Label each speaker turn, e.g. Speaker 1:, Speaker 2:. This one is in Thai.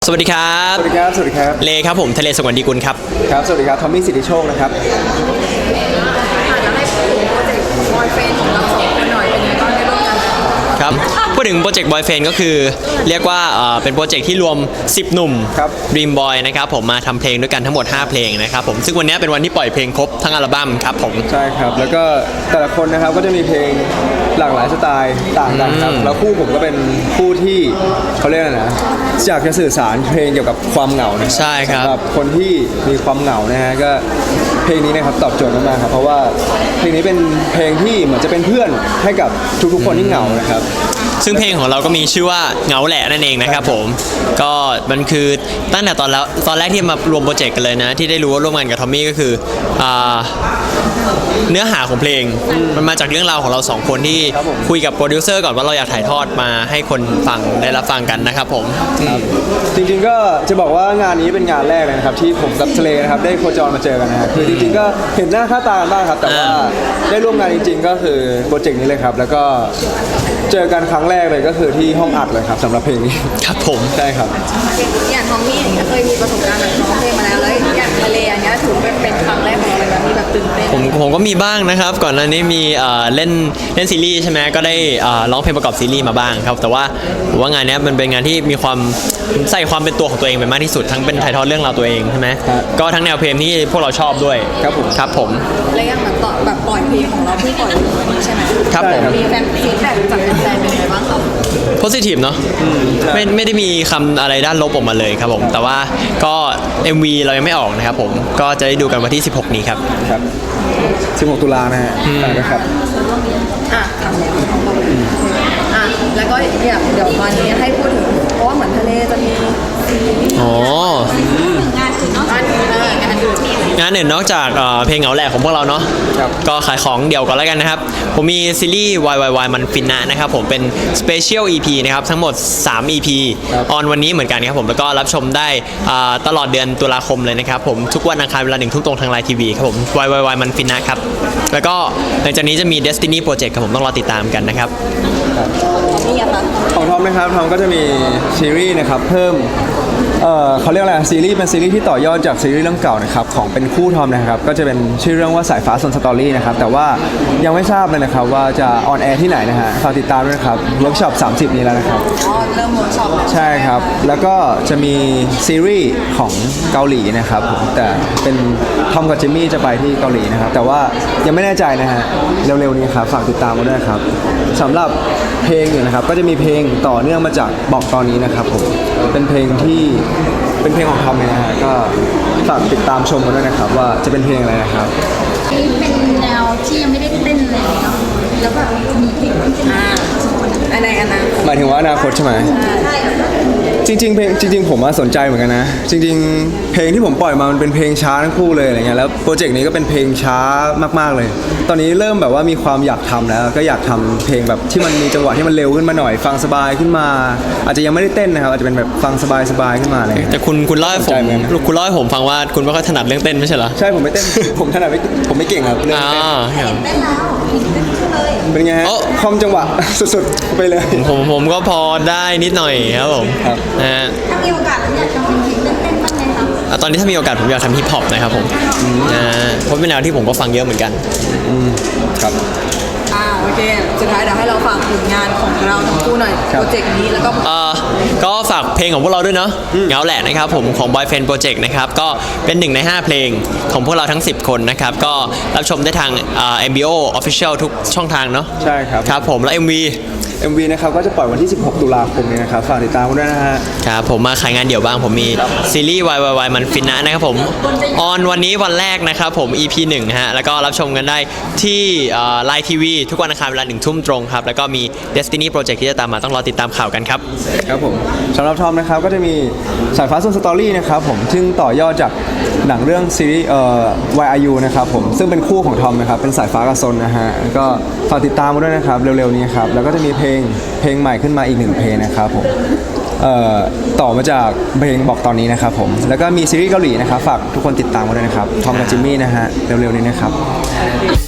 Speaker 1: สวัสดีครับ
Speaker 2: สวัสดีครับสวัสดีครับ
Speaker 1: เลครับผมทะเลสงวนดีกุลครับ
Speaker 2: ครับสวัสดีครับทอมมี่สิทธิโชคนะครับ
Speaker 3: อาจจะให้พูดถึงโปรเจกต์บอยเฟรนด์ของเราสองคนหน่อยเป็นยังไงบ้างได้ร่วมกัน
Speaker 1: ครับพูดถึงโปรเจกต์บอยเฟนก็คือเรียกว่าเป็นโปรเจกต์ที่รวม10หนุ่มดีมบอยนะครับผมมาทำเพลงด้วยกันทั้งหมด5เพลงนะครับผมซึ่งวันนี้เป็นวันที่ปล่อยเพลงครบทั้งอัลบั้มครับผม
Speaker 2: ใช่ครับแล้วก็แต่ละคนนะครับก็จะมีเพลงหลากหลายสไตล์ต่างกันครับแล้วคู่ผมก็เป็นคู่ที่เขาเรียกอะไรนะอยากจะสื่อสารเพลงเกี่ยวกับความเหงานะ
Speaker 1: ใช่ครับ
Speaker 2: สำหรับคนที่มีความเหงานะฮะก็เพลงนี้นะครับตอบโจทย์มากๆครับเพราะว่าเพลงนี้เป็นเพลงที่เหมือนจะเป็นเพื่อนให้กับทุกๆคนที่เหงานะครับ
Speaker 1: ซึ่งเพลงของเราก็มีชื่อว่าเหงาแหละนั่นเองนะครับผมก็มันคือตั้งแต่ตอนแรกที่มารวมโปรเจกต์กันเลยนะที่ได้รู้ว่าร่วมงานกับทอมมี่ก็คือเนื้อหาของเพลงมันมาจากเรื่องราวของเราสองคนที่คุยกับโปรดิวเซอร์ก่อนว่าเราอยากถ่ายทอดมาให้คนฟังได้รับฟังกันนะครับผม
Speaker 2: จริงๆก็จะบอกว่างานนี้เป็นงานแรกเลยนะครับที่ผมกับทะเลนะครับได้โคจรมาเจอกันนะครับคือจริงๆก็เห็นหน้าค่าตากันบ้างครับแต่ว่าได้ร่วมงานจริงๆก็คือโปรเจกต์นี้เลยครับแล้วก็เจอกันครั้งแรกเลยก็คือที่ห้องอัดเลยครับสำหรับเพลงนี้
Speaker 1: ครับผม
Speaker 2: ใช่ครับ
Speaker 3: อย่างทอมมี่เนี่ยเคยมีประสบการณ์แบบร้องเพลงมาแล้วอย่างทะเลอย่างเงี้ยถือเป็นครั้งแรกของเราเลยมีแบบตื่นเต้น
Speaker 1: ผมก็มีบ้างนะครับก่อนหน้านี้มีเล่นซีรีส์ใช่ไหมก็ได้ร้องเพลงประกอบซีรีส์มาบ้างครับแต่ว่าผมว่างานนี้มันเป็นงานที่มีความใส่ความเป็นตัวของตัวเองไปมากที่สุดทั้งเป็นถ่ายทอดเรื่องราวตัวเองใช่ไหมก็ทั้งแนวเพลงที่พวกเราชอบด้วยครับผม
Speaker 3: แล้วอย่างแบบปล่อยเพลงของเราที่ปล่อยวันนี้ใช่ไหม
Speaker 1: ครับผม
Speaker 3: มีแฟนฟีดแบ็กจากแฟนเป็นไงบ้างครับ
Speaker 1: positive เนาะไม่ได้มีคำอะไรด้านลบออกมาเลยครับผมแต่ว่าก็ MV เรายังไม่ออกนะครับผมก็จะได้ดูกันวันที่16นี้ครับ
Speaker 2: 16 ตุลานะฮะนะครับ
Speaker 3: ครับแล้วก็เดี๋ยววันนี้ให้พูดถึงเพราะว่าเหมือนทะเลจะมีงานอื่น
Speaker 1: นอกจากเพลงเหงาแหลกของพวกเราเนาะก็ขายของเดี่ยวก่อนแล้วกันนะครับผมมีซีรีส์ YYY มันฟินนะนะครับผมเป็น Special EP นะครับทั้งหมด3 EP ออนวันนี้เหมือนกันครับผมแล้วก็รับชมได้ตลอดเดือนตุลาคมเลยนะครับผมทุกวันอังคารเวลา 1 ทุ่มตรงทางไลน์ทีวีครับผม YYY มันฟินนะครับแล้วก็หลังจากนี้จะมี Destiny Project ครับผมต้องรอติดตามกันนะครับ
Speaker 2: ของทอมนะครับทอมก็จะมีซีรีส์นะครับเพิ่มเขาเรียกอะไรซีรีส์เป็นซีรีส์ที่ต่อยอดจากซีรีส์เรื่องเก่านะครับของเป็นคู่ทอมนะครับก็จะเป็นชื่อเรื่องว่าสายฟ้าซนสตอรี่นะครับแต่ว่ายังไม่ทราบเลยนะครับว่าจะออนแอร์ที่ไหนนะฮะฝากติดตามด้วยนะครับเวิร์กช็อป30นี้แล้วนะครับ
Speaker 3: เริ่มเวิร์กช็อป
Speaker 2: ใช่ครับแล้วก็จะมีซีรีส์ของเกาหลีนะครับแต่เป็นทอมกับจิมมี่จะไปที่เกาหลีนะครับแต่ว่ายังไม่แน่ใจนะฮะเร็วๆนี้ครับฝากติดตามมาด้วยครับสำหรับเพลงเนี่ยนะครับก็จะมีเพลงต่อเนื่องมาจากบอกตอนนี้นะครับผมเป็นเพลงของทอมเลยนะฮะก็ฝากติดตามชมกันด้วยนะครับว่าจะเป็นเพลงอะไรนะครับ
Speaker 3: เป็นแนวที่ยังไม่ได้เต้นเลยเนาะแล้วแบบมีเพลงอันไหน
Speaker 2: หมายถึงว่าอนาคตใช่ไหมใช่จริงๆเพลงจริงๆผมสนใจเหมือนกันนะจริงๆเพลงที่ผมปล่อยมามันเป็นเพลงช้าทั้งคู่เลยอะไรเงี้ยแล้วโปรเจกต์นี้ก็เป็นเพลงช้ามากๆเลยตอนนี้เริ่มแบบว่ามีความอยากทำแล้วก็อยากทำเพลงแบบที่มันมีจังหวะที่มันเร็วขึ้นมาหน่อยฟังสบายขึ้นมาอาจจะยังไม่ได้เต้นนะครับอาจจะเป็นแบบฟังสบายขึ้นมาอะไร
Speaker 1: แต่คุณเล่าให้ผมฟังว่าคุณไม่ค่อยถนัดเรื่องเต้นไม่ใช่เหรอ
Speaker 2: ใช่ผมไม่เต้นผมถนัดผมไม่เก่งครับเรื่องเต้นเป็นไงฮะคอมจังหวะสุดๆไปเลย
Speaker 1: ผมก็พอได้นิดหน่อยครับผมนะฮะ
Speaker 3: ถ้ามีโอกาสอยากทำเพลงเต้นบ้างไหมครับ
Speaker 1: ตอนนี้ถ้ามีโอกาสผมอยากทำฮิปฮอปนะครับผมเพราะเป็นแนวที่ผมก็ฟังเยอะเหมือนกัน
Speaker 2: ครับ
Speaker 3: โอเคสุดท้ายเดี๋ยวให้เราฝากผลงานของเราทั้งคู่หน่อยโปรเจกต์นี้แล้ว
Speaker 1: ก็ฝากเพลงของพวกเราด้วยเนาะเหงาแหละนะครับผมของ Boyfriend Project นะครับก็เป็น1ใน5เพลงของพวกเราทั้ง10คนนะครับก็รับชมได้ทาง MBO Official ทุกช่องทางเนาะ
Speaker 2: ใช่ครับ
Speaker 1: ครับผมแล้ว MV
Speaker 2: นะครับก็จะปล่อยวันที่16 ตุลาคมนี้นะครับฝากติดตามกันด้วยนะฮะ
Speaker 1: ครับผมมาขายงานเดี่ยวบ้างผมมีซีรีส์ YYY มันฟินนะนะครับผมออนวันนี้วันแรกนะครับผม EP 1ฮะแล้วก็รับชมกันได้ที่ไลน์ทีวีทุกวันอังคารเวลา 1 ทุ่มตรงครับแล้วก็มี Destiny Project ที่จะตามมาต้องรอติดตามข่าวกันครับ
Speaker 2: ครับผมสำหรับทอมนะครับก็จะมีสายฟ้าซุนสตอรี่นะครับผมซึ่งต่อยอดจากหนังเรื่องซีรีส์YRU นะครับผมซึ่งเป็นคู่ของทอมนะครับเป็นสายฟ้ากับซนนะฮะก็ฝากติดตามมาด้วยนะครับเร็วๆนี้ครับแล้วก็จะมีเพลงใหม่ขึ้นมาอีก1เพลงนะครับผมต่อมาจากเพลงบอกตอนนี้นะครับผมแล้วก็มีซีรีส์เกาหลีนะครับฝากทุกคนติดตามมาด้วยนะครับทอมกับจิมมี่นะฮะเร็วๆนี้นะครับ